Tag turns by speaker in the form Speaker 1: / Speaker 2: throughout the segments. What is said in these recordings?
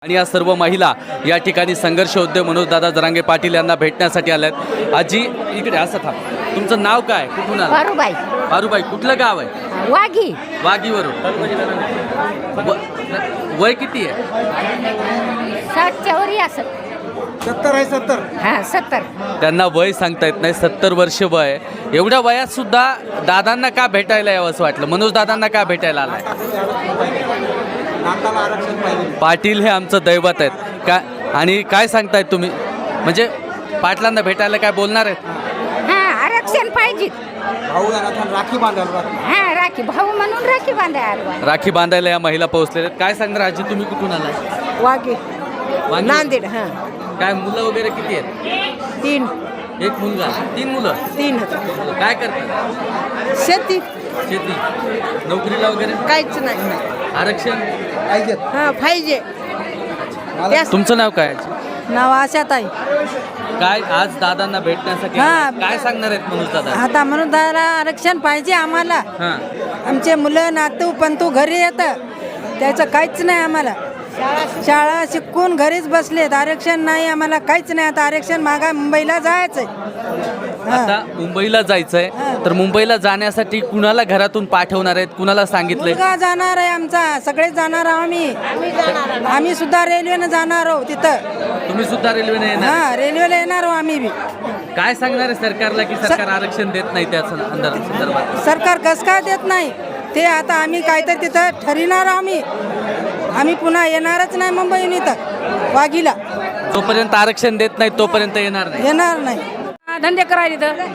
Speaker 1: आणि या सर्व महिला या ठिकाणी संघर्ष योद्धे मनोजदादा जरांगे पाटील यांना भेटण्यासाठी आल्यात। आजी इकडे असं थांब, तुमचं नाव काय, कुठून आलं?
Speaker 2: पारुबाई
Speaker 1: पारुबाई, कुठलं गाव आहे?
Speaker 2: वाघी
Speaker 1: वाघीवरून। वय किती आहे?
Speaker 2: 60च्या वरी असं
Speaker 3: 70 आहे 70।
Speaker 2: हा 70
Speaker 1: त्यांना वय सांगता येत नाही, 70 वर्ष वय आहे। एवढ्या वयात सुद्धा दादांना का भेटायला यावं असं वाटलं? मनोज दादांना का भेटायला आलाय?
Speaker 3: नाताला आरक्षण पाहिजे।
Speaker 1: पाटील हे आमचं दैवत आहेत का? आणि काय सांगतायत तुम्ही, म्हणजे पाटलांना भेटायला काय बोलणार आहेत?
Speaker 2: हा आरक्षण पाहिजे।
Speaker 3: भाऊ यांना राखी बांधायला
Speaker 2: हा राखी भाऊ म्हणून राखी बांधायला
Speaker 1: राखी बांधायला या महिला पोहोचलेल्या आहेत। काय सांगणार आजी, तुम्ही कुठून आलाय?
Speaker 2: वाघी
Speaker 1: वांगी?
Speaker 2: नांदेड। हा
Speaker 1: काय मुलं वगैरे किती आहेत?
Speaker 2: 3
Speaker 1: एक मुलगा, 3 मुलं।
Speaker 2: 3
Speaker 1: काय करतात?
Speaker 2: शेती
Speaker 1: शेती, नोकरीला वगैरे?
Speaker 2: काहीच नाही।
Speaker 1: आरक्षण
Speaker 3: पाहिजे।
Speaker 2: हा पाहिजे।
Speaker 1: तुमचं नाव काय?
Speaker 2: नाव आशात आहे।
Speaker 1: काय आज दादांना भेटण्यासाठी
Speaker 2: हा.
Speaker 1: आलात? काय सांगणार आहेत मनोज दादा?
Speaker 2: आता म्हणून दादा आरक्षण पाहिजे आम्हाला।
Speaker 1: हां,
Speaker 2: आमचे मुलं नातू पंतू घरी येतं, त्याचं काहीच नाही आम्हाला। शाळा शिकून घरीच बसलेत, आरक्षण नाही आम्हाला, काहीच नाही। आता आरक्षण मागा मुंबईला जायचंय।
Speaker 1: आता मुंबईला जायचंय, तर मुंबईला जाण्यासाठी कुणाला घरातून पाठवणार आहेत, कुणाला सांगितलंय?
Speaker 2: मुलगा जाणार आहे आमचा, सगळेच जाणार आहोत आम्ही सुद्धा रेल्वेनं जाणार आहोत तिथं।
Speaker 1: तुम्ही सुद्धा रेल्वेने येणार?
Speaker 2: हा रेल्वेला येणार आहोत आम्ही बी।
Speaker 1: काय सांगणार आहे सरकारला की सरकार आरक्षण देत नाही त्या संदर्भात?
Speaker 2: सरकार कसं काय देत नाही ते आता आम्ही काहीतरी तिथं ठरविणार आम्ही पुन्हा येणारच नाही मुंबईहून इथं वाघीला।
Speaker 1: जोपर्यंत आरक्षण देत नाही तोपर्यंत येणार नाही।
Speaker 2: येणार नाही।
Speaker 4: धंदे करायचे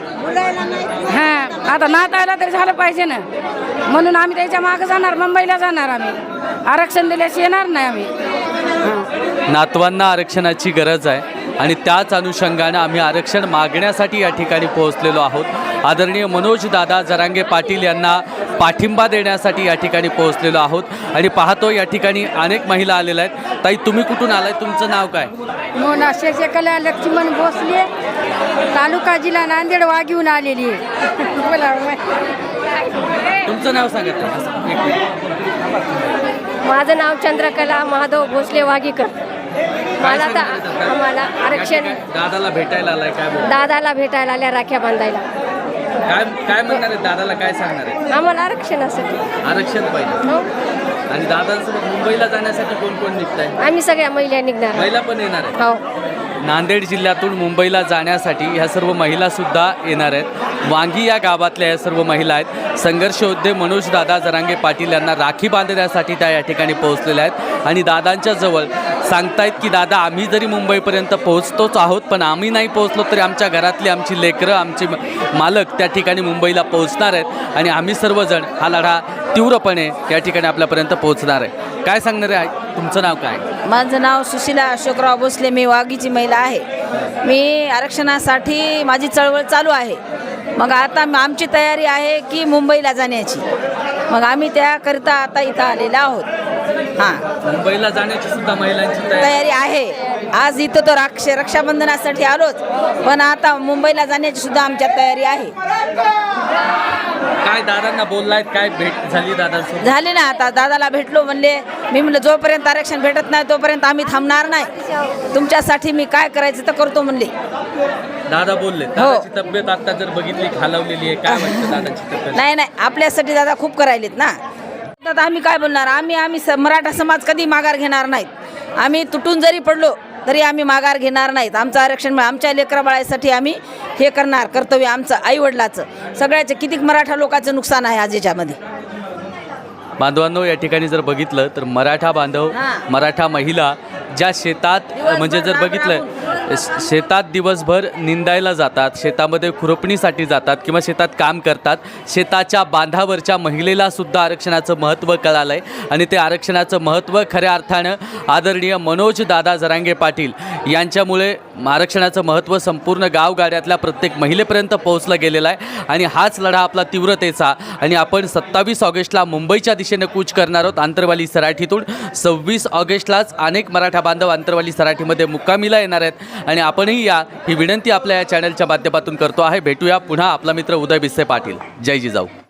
Speaker 4: तर हां आता नातायला तरी झालं पाहिजे ना, म्हणून आम्ही त्याच्या मागे जाणार, मुंबईला जाणार। आम्ही आरक्षण दिल्याशी येणार नाही आम्ही।
Speaker 1: नातवांना आरक्षणाची गरज आहे आणि त्याच अनुषंगाने आम्ही आरक्षण मागण्यासाठी या ठिकाणी पोहोचलेलो आहोत। आदरणीय मनोज दादा जरांगे पाटील यांना पाठिंबा देण्यासाठी या ठिकाणी पोहोचलेलो आहोत आणि पाहतो या ठिकाणी अनेक महिला आलेल्या आहेत। ताई, तुम्ही कुठून आलाय, तुमचं नाव काय?
Speaker 4: मोना शशिकला लक्ष्मण भोसले, तालुका जिल्हा नांदेड, वाघीहून आलेली आहे। बोला
Speaker 1: तुमचं नाव सांगा ताई. एक मिनिट.
Speaker 5: माझं नाव चंद्रकला महादेव भोसले वाघीकर।
Speaker 1: काय
Speaker 5: मला तर
Speaker 1: सांगणार आहेत दादा?
Speaker 5: आम्हाला
Speaker 1: या
Speaker 5: आरक्षण
Speaker 1: ठिकाणी दादाला भेटायला आलाय, काय बोल?
Speaker 5: दादाला भेटायला आल्या राख्या बांधायला।
Speaker 1: काय काय म्हणणार आहेत दादाला, काय सांगणार आहे?
Speaker 5: आम्हाला आरक्षणासाठी
Speaker 1: आरक्षण पाहिजे।
Speaker 5: हो
Speaker 1: आणि दादांसोबत मुंबईला जाण्यासाठी कोण कोण निघताय?
Speaker 5: आम्ही सगळ्या महिला निघणार
Speaker 1: महिला पण येणार आहेत?
Speaker 5: हो
Speaker 1: नांदेड जिल्ह्यातून मुंबईला जाण्यासाठी ह्या सर्व महिला सुद्धा येणार आहेत। वांगी या गावातल्या या सर्व महिला आहेत। संघर्ष योद्धे मनोज दादा जरांगे पाटील यांना राखी बांधण्यासाठी त्या या ठिकाणी पोहोचलेल्या आहेत आणि दादांच्या जवळ सांगतायत की दादा, आम्ही जरी मुंबईपर्यंत पोहोचतोच आहोत, पण आम्ही नाही पोहोचलो तरी आमच्या घरातली आमची लेकरं, आमचे मालक त्या ठिकाणी मुंबईला पोहोचणार आहेत आणि आम्ही सर्वजण हा लढा तीव्रपणे या ठिकाणी आपल्यापर्यंत पोहोचणार आहे। काय सांगणार आहे? तुमचं नाव काय?
Speaker 6: माझं नाव सुशीला अशोकराव भोसले, मी वाघीची महिला आहे। मी आरक्षणासाठी माझी चळवळ चालू आहे। मग आता आमची तयारी आहे की मुंबईला जाण्याची, मग आम्ही त्याकरिता आता इथं आलेलो आहोत। हां,
Speaker 1: मुंबईला जाण्याची सुद्धा महिलांची
Speaker 6: तयारी आहे। आज इथं तर रक्षाबंधनासाठी आलोच, पण आता मुंबईला जाण्याची सुद्धा आमच्या तयारी आहे।
Speaker 1: काय दादांना बोललायत, काय भेट झाली दादांसोबत?
Speaker 6: झाले ना, आता दादाला भेटलो, म्हणले मी म्हणलं जोपर्यंत आरक्षण भेटत नाही तोपर्यंत आम्ही थांबणार नाही, तुमच्यासाठी मी काय करायचं तर करतो म्हणले।
Speaker 1: दादा बोलले दादाची तब्येत आता जर बघितली खालावलेली आहे, काय वाटतं दादाची तब्येत?
Speaker 6: नाही नाही, आपल्यासाठी दादा खूप करायलेत ना। आता आम्ही काय बोलणार, आम्ही मराठा समाज कधी माघार घेणार नाहीत। आम्ही तुटून जरी पडलो तरी आम्ही माघार घेणार नाहीत। आमचं आरक्षण आमच्या लेकरा बाळासाठी आम्ही हे करणार, कर्तव्य आमचं, आईवडिलाचं, सगळ्याचं। किती मराठा लोकांचं नुकसान आहे आज याच्यामध्ये।
Speaker 1: बांधवांनो, या ठिकाणी जर बघितलं तर मराठा बांधव, मराठा महिला ज्या शेतात, म्हणजे जर बघितलं शेतात दिवसभर निंदायला जातात, शेतामध्ये खुरपणीसाठी जातात किंवा शेतात काम करतात, शेताच्या बांधावरच्या महिलेला सुद्धा आरक्षणाचं महत्त्व कळालं आहे आणि ते आरक्षणाचं महत्त्व खऱ्या अर्थानं आदरणीय मनोज दादा जरांगे पाटील यांच्यामुळे आरक्षणाचं महत्त्व संपूर्ण गावगाड्यातल्या प्रत्येक महिलेपर्यंत पोहोचलं गेलेलं आहे आणि हाच लढा आपला तीव्रतेचा। आणि आपण 27 ऑगस्टला मुंबईच्या दिशेने कूच करणार आहोत आंतरवाली सराठीतून। 26 ऑगस्टलाच अनेक मराठा बांधव आंतरवाली सराठीमध्ये मुक्कामीला येणार आहेत आणि आपणही या ही विनंती आपल्या या चॅनलच्या माध्यमातून करतो आहे। भेटूया पुन्हा, आपला मित्र उदय बिस्से पाटील। जय जिजाऊ।